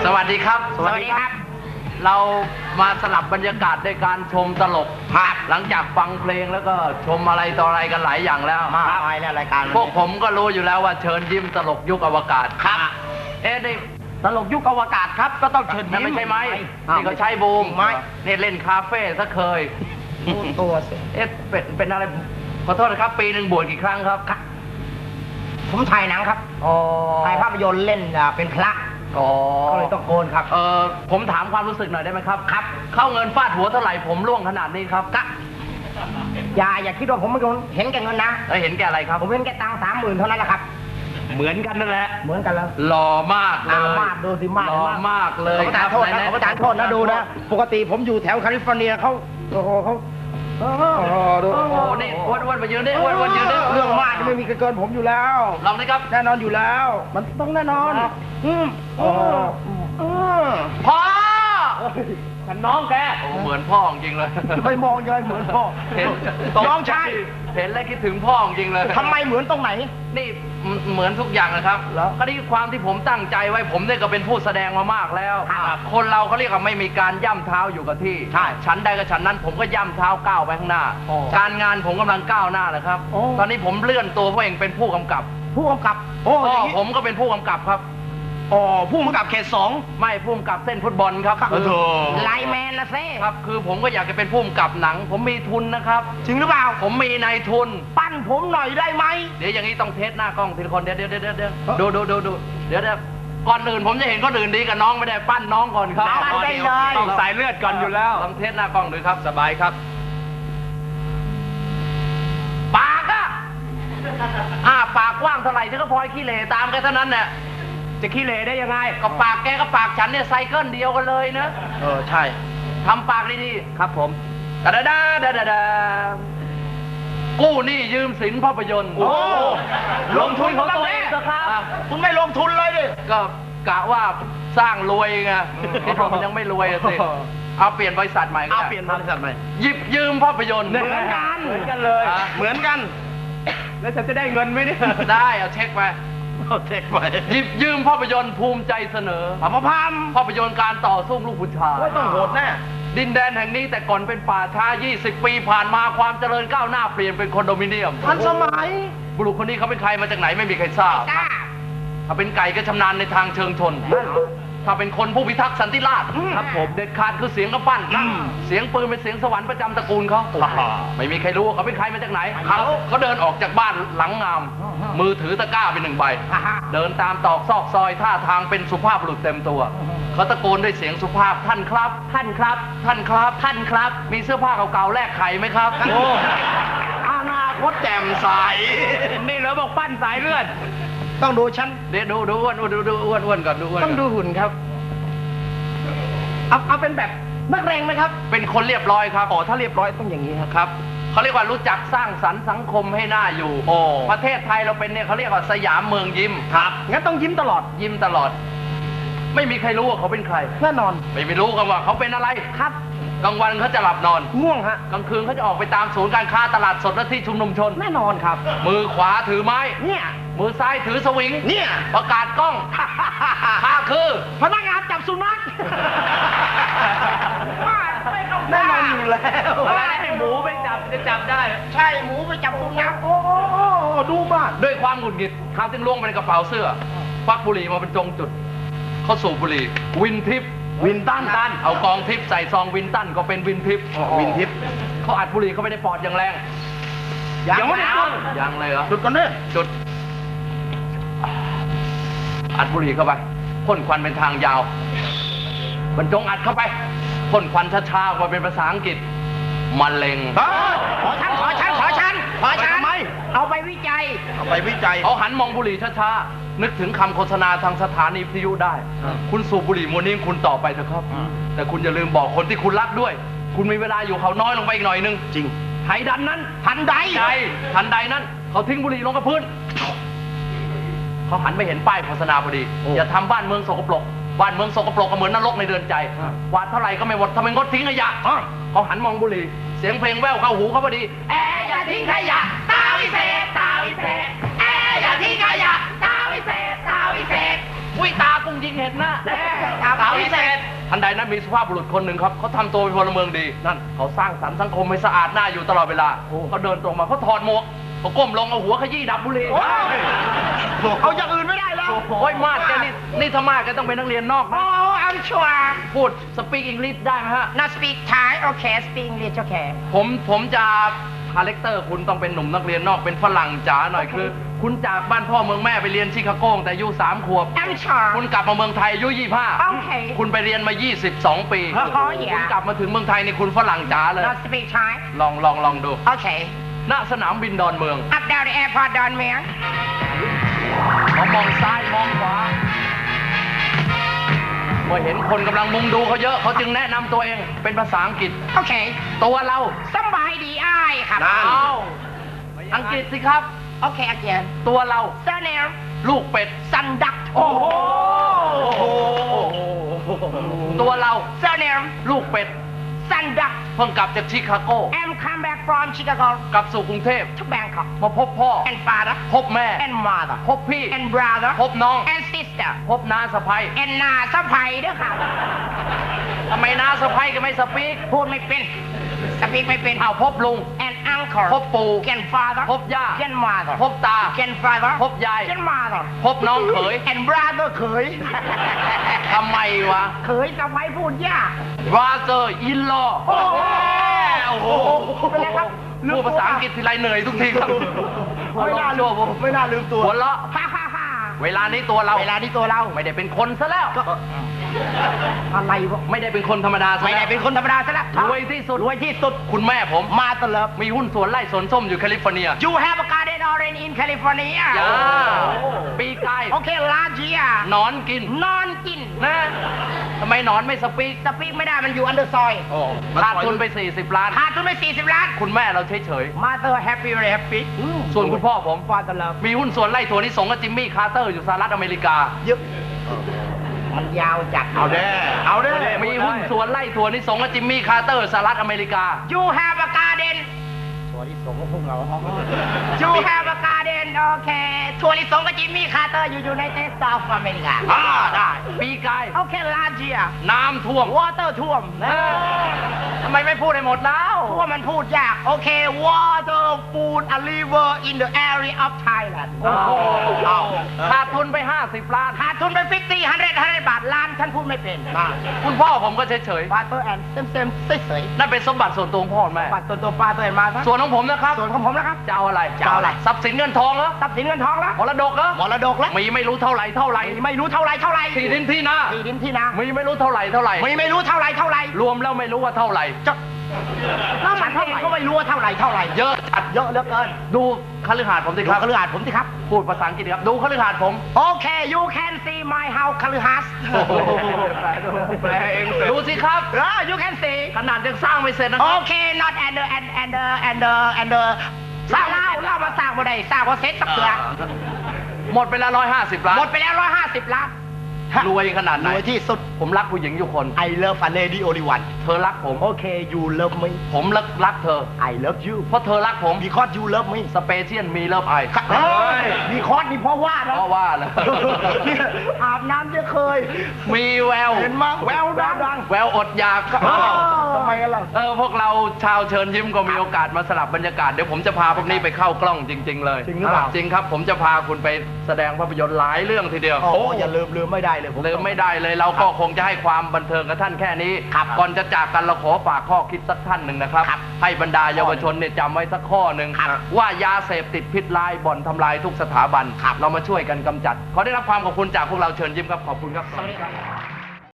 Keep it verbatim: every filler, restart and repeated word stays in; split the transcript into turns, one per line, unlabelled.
วัสดีครับ
สวัสดีครับ
เรามาสลับบรรยากาศในการชมตลกภาพหลังจากฟังเพลงแล้วก็ชมอะไรต่ออะไรกันหลายอย่างแล้ว
มากมายแล้วรายการ
พวกผมก็รู้อยู่แล้วว่าเชิญยิ้มตลกยุคอวกาศ
ครับ
เอ๊ะนี่
ตลกยุคอวกาศครับก็ต้องเชิญยิ้ม
ไม่ใช่ไหมนี่เขาใช้บูม
ไหม
เนี่ยเล่นคาเฟ่ซะเคย
ตัว
เอ๊ะเป็นเป็นอะไรขอโทษนะครับปีหนึ่งบวชกี่ครั้งครับ
ผมถ่ายหนังครับถ่ายภาพยนตร์เล่นเป็นพระก็เลยต้องโกนครับ
เออผมถามความรู้สึกหน่อยได้ไหมครับครับเข้าเงินฟาดหัวเท่าไหร่ผมร่วงขนาดนี้ครับ
กะอย่าอย่าคิดว่าผมไม่เห็นแก่เงินนะ
เห็นแก่อะไรครับ
ผมเห็นแก่ตังค์สามหมื่นเท่านั้นแหละครับ
เหมือนกันนั่นแหละ
เหมือนกันแล้ว
หล่อมากเลย
มากดูสิมาก
หล่อมากเลย
ครับขอประทานโทษนะดูนะปกติผมอยู่แถวแคลิฟอร์เนียเขาโอ้โหเขา
โอ้ดูโอ้โหนี่อ้วนอ้วนมายืนดิอ้วนอ้วนยืนดิ
เรื่องมากจะไม่มีเกินผมอยู่แล้ว
ลองดิครับ
แน่นอนอยู่แล้วมันต้องแน่นอนอืม
พ่อ
ฉันน้องแก
เหมือนพ่อจริงเลย
ไม่มองเลยเหมือนพ่อ
เห็น
น้องชาย
เห็นแล้วคิดถึงพ่อจริงเลย
ทำไมเหมือนตรงไหน
นี่เหมือนทุกอย่างนะครับก็นี่ความที่ผมตั้งใจไว้ผมเนี่ยก็เป็นผู้แสดงมามากแล้วคนเราเขาเรียกว่าไม่มีการย่ำเท้าอยู่กับที่
ใช่
ฉันใดกับฉันนั้นผมก็ย่ำเท้าก้าวไปข้างหน้าการงานผมกำลังก้าวหน้าเลยครับตอนนี้ผมเลื่อนตัวเพราะเองเป็นผู้กำกับ
ผู้กำกับ
พ่อผมก็เป็นผู้กำกับครับ
อ๋อผู้กำกับเขตสอง
ไม่ผู้กำกับเส้นฟุตบอลครับ
ไลแมนละเซ่
ครับคือผมก็อยากจะเป็นผู้กำกับหนังผมมีทุนนะครับ
จริงหรือเปล่า
ผมมีนายทุน
ปั้นผมหน่อยได้ไหม
เดี๋ยวอย่างนี้ต้องเทสหน้ากล้องทีละคนเดี๋ยวเดี๋ยวเดี๋ยวเดี๋ยวดูดูดูดูเดี๋ยวเดี๋ยวก่อนอื่นผมจะเห็นคนอื่นดีกับน้องไม่ได้ปั้นน้องก่อนครับ
ปั้นได้เลย
ต้องสายเลือดก่อนอยู่แล้วต้องเทสหน้ากล้องดูครับสบายครับปากอะอ่าปากกว้างเท่าไหร่ฉันก็พลอยขี้เหร่ตามแค่เท่านั้นเนี่ย
จะขี้เหร่ได้ยังไง
ก็ปากแกกับปากฉันเนี่ยไซเคิลเดียวกันเลยนะ
เออใช่
ทำปากดี
ๆครับผม
ดาดาดาดาดาดากู้หนี้ยืมสินภาพยนตร์โอ้ลงทุนของตัวเองครับ
คุณไม่ลงทุนเลยดิ
ก็กะว่าสร้างรวยไงที่ผมมันยังไม่รวยสิเอาเปลี่ยนบริษัทใหม่
เอาเปลี่ยนบริษัทใหม่
หยิบยืมภาพยนตร์
เหมือนกัน
เหมือนกันเลย
เหมือนกันแล้วฉันจะได้เงินไหมเนี่ย
ได้เอาเช็คไปหยิบยืมภาพยนตร์ภูมิใจเสนอ
พามพาม
ภาพยนตร์การต่อสู้ลูกผู้ชาย
ต้องโหดแน่
ดินแดนแห่งนี้แต่ก่อนเป็นป่าช้ายี่สิบปีผ่านมาความเจริญก้าวหน้าเปลี่ยนเป็นคอนโดมิเนียม
ทันสมัย
บุรุษคนนี้เขาเป็นใครมาจากไหนไม่มีใครทราบถ้าเป็นไก่ก็ชำนาญในทางเชิงชนถ้าเป็นคนผู้พิทักษ์สันติราษฎร์ครับผมเด็ดขาดคือเสียงกระปั้นเสียงปืนเป็นเสียงสวรรค์ประจำตระกูลเขาไม่มีใครรู้ว่าเขาเป็นใครมาจากไหนเขาเขาเดินออกจากบ้านหลังงามมือถือตะกร้าเป็นหนึ่งใบเดินตามตอกซอกซอยท่าทางเป็นสุภาพบุรุษเต็มตัวเขาตะโกนด้วยเสียงสุภาพท่านครับท่านครับท่านครับท่านครับมีเสื้อผ้าเก่าๆแลกไข่ไหมครับโอ้
อนาคตแจ่มใส
นี่เหรอบอกปั้นสายเลือด
ต้องดูฉัน
เดี๋ยวดูดูอ้วนดูดูอ้วนอ้วนก่อนดูอ้วน
ต้องดูหุ่นครับเอาเอาเป็นแบบนักเรงไหมครับ
เป็นคนเรียบร้อยครับ
อ๋อถ้าเรียบร้อยต้องอย่างนี้
ครับเขาเรียกว่ารู้จักสร้างสรรค์สังคมให้น่าอยู่โอ้ประเทศไทยเราเป็นเนี่ยเขาเรียกว่าสยามเมืองยิ้ม
ครับงั้นต้องยิ้มตลอด
ยิ้มตลอดไม่มีใครรู้ว่าเขาเป็นใคร
แน่นอน
ไม่ไม่รู้กันว่าเขาเป็นอะไร
ครับ
กลางวันเขาจะหลับนอน
ง่วงฮะ
กลางคืนเขาจะออกไปตามศูนย์การค้าตลาดสดและที่ชุมนุมชน
แน่นอนครับ
มือขวาถือไม้
เนี่ย
มือซ้ายถือสวิง
เนี่ย
ประกาศกล้องข้าคือ
พนักงานจับสุนัขแน่นอนอยู่แล้ว
ให้หมูไปจับจะจับได้
ใช่หมูไปจับสุนัขโอ้ดูบ้าน
ด้วยความหงุดหงิดเขาจึงล้วงไปในกระเป๋าเสื้อควักบุหรี่มาเป็นจงจุดเขาสูบบุหรี่วินทิป
วินตัน
ตันเอากองทิปใส่ซองวินตันก็เป็นวินทิป
วินทิป
เขาอัดบุหรี่เข้าไปในปอดอย่างแรง
ยังไม่ได้จุด
ยังเลยเหรอ
จุดก่อนเนี่ย
จุดอัดบุหรี่เข้าไปพ่นควันเป็นทางยาวบรรจงอัดเข้าไปพ่นควันช้าๆมาเป็นภาษาอังกฤษมะเร็ง
ขอฉันขอฉันขอฉันขอฉันเอาไปวิจัยเอาไปวิจัย
เขาหันมองบุหรี่ช้าๆนึกถึงคำโฆษณาทางสถานีวิทยุได้คุณสูบบุหรี่มวนนี้คุณต่อไปเถอะครับแต่คุณอย่าลืมบอกคนที่คุณรักด้วยคุณมีเวลาอยู่เขาน้อยลงไปอีกหน่อยนึง
จริง
ไทยดันนั้น
ทันใด
ทันใดนั้นเขาทิ้งบุหรี่ลงกับพื้นเขาหันไปเห็นป้ายโฆษณาพอดีอย่าทำบ้านเมืองสกปรกบ้านเมืองสกปรกก็เหมือนนรกในเดือนใจกวาดเท่าไหร่ก็ไม่หมดทำไมงดทิ้งขยะเขาหันมองบุหรี่เสียงเพลงแว่วเข้าหูเขาพอดี
แออย่าทิ้งขยะตาวิเศษตาวิเศษแออย่าทิ้งขยะตาวิเศษตาวิเศษ
อุ้ยตากุ้งยิงเห็นนะ
สาวพิเศษ
ทันใดนั้นมีสุภาพบุรุษคนหนึ่งครับเขาทำตัวเป็นพลเมืองดีนั่นเขาสร้างสรรค์สังคมให้สะอาดหน้าอยู่ตลอดเวลาเขาเดินตรงมาเขาถอดหมวกเขาก้มลงเอาหัวขยี้ดับบุหรี่
เอาอย่างอื่นไม่ได้แล้ว
โอ้ยมาดแกนี่นี่ถ้ามาดแกต้องเป็นนักเรียนนอกนะ
Oh I'm sure
พูดสปีกอังกฤษได้ไหมฮะ
not speak Thai okay speak English okay
ผมผมจะคาแรคเตอร์คุณต้องเป็นหนุ่มนักเรียนนอกเป็นฝรั่งจ๋าหน่อยคือ คุณจากบ้านพ่อเมืองแม่ไปเรียนชิคาโกแต่อายุสามขวบ
I'm sure
คุณกลับมาเมืองไทยอายุยี่สิบห้า
โอเค
คุณไปเรียนมายี่สิบสองปี
อ๋ออย่า
คุณกลับมาถึงเมืองไทยนี่คุณฝรั่งจ๋าเลย
not speak Thai
ลองลองลองดู
okay
ณสนามบินดอนเมือง
up down the airport ดอนเมือง
เขามองซ้ายมองขวาเมื่อเห็นคนกำลังมุงดูเขาเยอะเขาจึงแนะนำตัวเองเป็นภาษาอังกฤษ
โอเค
ตัวเรา
สบายดีอ้ายครับ
นั่น เอาอังกฤษสิครับ
โอเค again
ตัวเรา
surname
ลูกเป็ด
สันดักโอ้โห
ตัวเรา
surname
ลูกเป็ด
สันดัก
เพิ่งกลับจากชิคาโก
I'm come back from Chicago
กลับสู่กรุงเทพ
to Bangkok
มาพบพ่อ
and father
พบแม่
and mother
พบพี่
and brother
พบน้อง
and sister
พบน้าสะพ้ย
and นาสะพายด้วยครับ
ทำไมน้าสะพ้ยก็ไม่สปีก
พูดไม่เป็นสปีกไม่เป็น
อ้าวพบลุง
and uncle
พบปู่
and father
พบย่า
and mother
พบตา
and father
พบยาย
and mother
พบน้องเขย
and brother เขย
ทำไมวะ
เขยสะพายพูดยาก
brother in law
โอ้โห
โอ้โห
เป็นไงครับ
พูดภาษาอังกฤษทีไรเหนื่อยทุกทีครับ
ไม่น่าลืม
ผม
ไม่น่าลืมตัว
หัวเราะ
ฮ่าฮ่าฮ่า
เวลานี้ตัวเรา
เวลานี้ตัวเรา
ไม่ได้เป็นคนซะแล้ว
อะไรวะ
ไม่ได้เป็นคนธรรมดาซะ
ไม่ได้เป็นคนธรรมดาซะแล้ว
รวยที่สุด
รวยที่สุด
คุณแม่ผม
มาตลอด
มีหุ้นสวนไร่สวนส้มอยู่แคลิฟอร์เนีย
You have a garden orange in California
ย่าปีกาย
โอเคลาจีอ่ะ
หนอนกิน
นอนกิน
นะทำไมหนอนไม่สปีก
สปีกไม่ได้มันอยู่อันเดอร์ซอย
ขาดทุนไป สี่สิบ ล้าน
ขาดทุนไปสี่สิบล้าน
คุณแม่เราเฉย
มาเตอร์แฮปปี้เลยแฮปปี้
ๆ ส่วนคุณพ่อผม
ฟาดตลอด
มีหุ้นส่วนไร่ถั่วลิสงกับจิมมี่คาร์เตอร์อยู่สหรัฐอเมริกา
เยอะมันยาวจัด
เอาแน่เอาแน่
มีหุ้นส่วนไร่ถั่วลิสงกับจิมมี่คาร์เตอร์สหรัฐอเมริกา
You have a garden ถั่วลิสงก็พวกเรา You have a garden โอเคถั่วลิสงกับจิมมี่คาร์เตอร์อยู่อยู่ในเทสต์ออฟอเมริกา
อ่าได้ ปีกาย
โอเคลาจีอ่ะ
น้ำท่วม
วอเตอร์ท่วม
เออทำไมไม่พูดให้หมดแล้ว
เพราะว่ามันพูดยาก โอเค water food a river in the area of Thailand
โอ้โห
เอา
ขาดทุนไป ห้าสิบ ล้าน
ขาดทุนไปฟิฟตี้ฮันเดรดฮันเดรดบาทล้านฉันพูดไม่เป็น
คุณพ่อผมก็เฉย
ปาเตอร์แอนเต็มเต็มๆเฉย
ๆ นั่นเป็นสมบัติส่วนตัวของพ่อแม่
ๆปัดตัวตัวปลาตัวเอ็นมาซะ
ส่วนของผมนะครับ
ส่วนของผมนะครับ
จะเอาอะไร
จะเอาอะไร
ทรัพย์สินเงินทองเหรอ
ทรัพย์สินเงินทองแล้ว
มรดกเหรอ
มรดกแล้ว
มีไม่รู้เท่าไหร่เท่าไหร่
ไม่รู้เท่าไรเท่าไร
ที่ดินที่นา
ที่ดินที่นา
มีไม่รู้เท่าไหร่เท่าไหร่
ไม่ไม่รู้เท่าไรเท่าไร
รวมแล้วไม่รู้ว่าเท่าไหร่
จะแล้วมันเองก็ไม่รู้ว่าเท่าไรเท่าไร
เยอะจัด
เยอะเหลือเกิน
ดูคฤหาสน์ผมสิ
ดู
ครับ
คฤหาสน์ผมสิครับ
พูดภาษาอังกฤษครับ ดูคฤหาสน์ผม
โอเค you can see my house คฤหาสน์
แปลเองเสร็จ
ดูสิครับ
เออ you can see
ขนาดยังสร้างไม่เสร็จนะค
โอ
รับ
เค not and the and and the and the and the สร้างเล่าเล่ามาสร้างบ่ได้สร้างว่าเซ็ตสักเถื่อ
หมดไปแล้วร้อยห้าสิบล้าน
หมดไปแล้วร้อยห้าสิบล้าน
รวยขนาดไหน
รวยที่สุด
ผมรักผู้หญิงอยู่คน
I love a lady only one
เธอรักผม
โอเค you love me
ผมรักรักเธอ
I love you
เพราะเธอรักผม
because you love me
สเปเชียลมีเลิฟไอ
เฮ้ยมีคอร์สมีเพราะว่านะ
เพราะว่าเลย
อาบน้ำจะเคย
มีแวว
เห็นมั้ยแววดังดัง
แววอดอยาก
ทำไมกันล่ะ
เออพวกเราชาวเชิญยิ้มก็มีโอกาสมาสลับบรรยากาศเดี๋ยวผมจะพาพวกนี้ไปเข้ากล้องจริง ๆ เลย
จริงหรือเปล่า
จริงครับ ผมจะพาคุณไปแสดงภาพยนตร์หลายเรื่องทีเดียว
โอ้อย่าลืมลืมไม่ได้เลยผม
ลืมไม่ได้เลยเราก็คงจะให้ความบันเทิงกับท่านแค่นี้
ครับ
ก่อนจะจากกันเราขอฝากข้อคิดสักท่านหนึ่งนะครับ
ครับ
ให้บรรดาเยาวชนเนี่ยจำไว้สักข้อหนึ่ง
ครับ
ว่ายาเสพติดพิษร้ายบ่อนทำลายทุกสถาบัน เรามาช่วยกันกำจัด ขอได้รับความขอบคุณจากพวกเราเชิญยิ้มครับขอบคุณครับ
สวัสดีครับ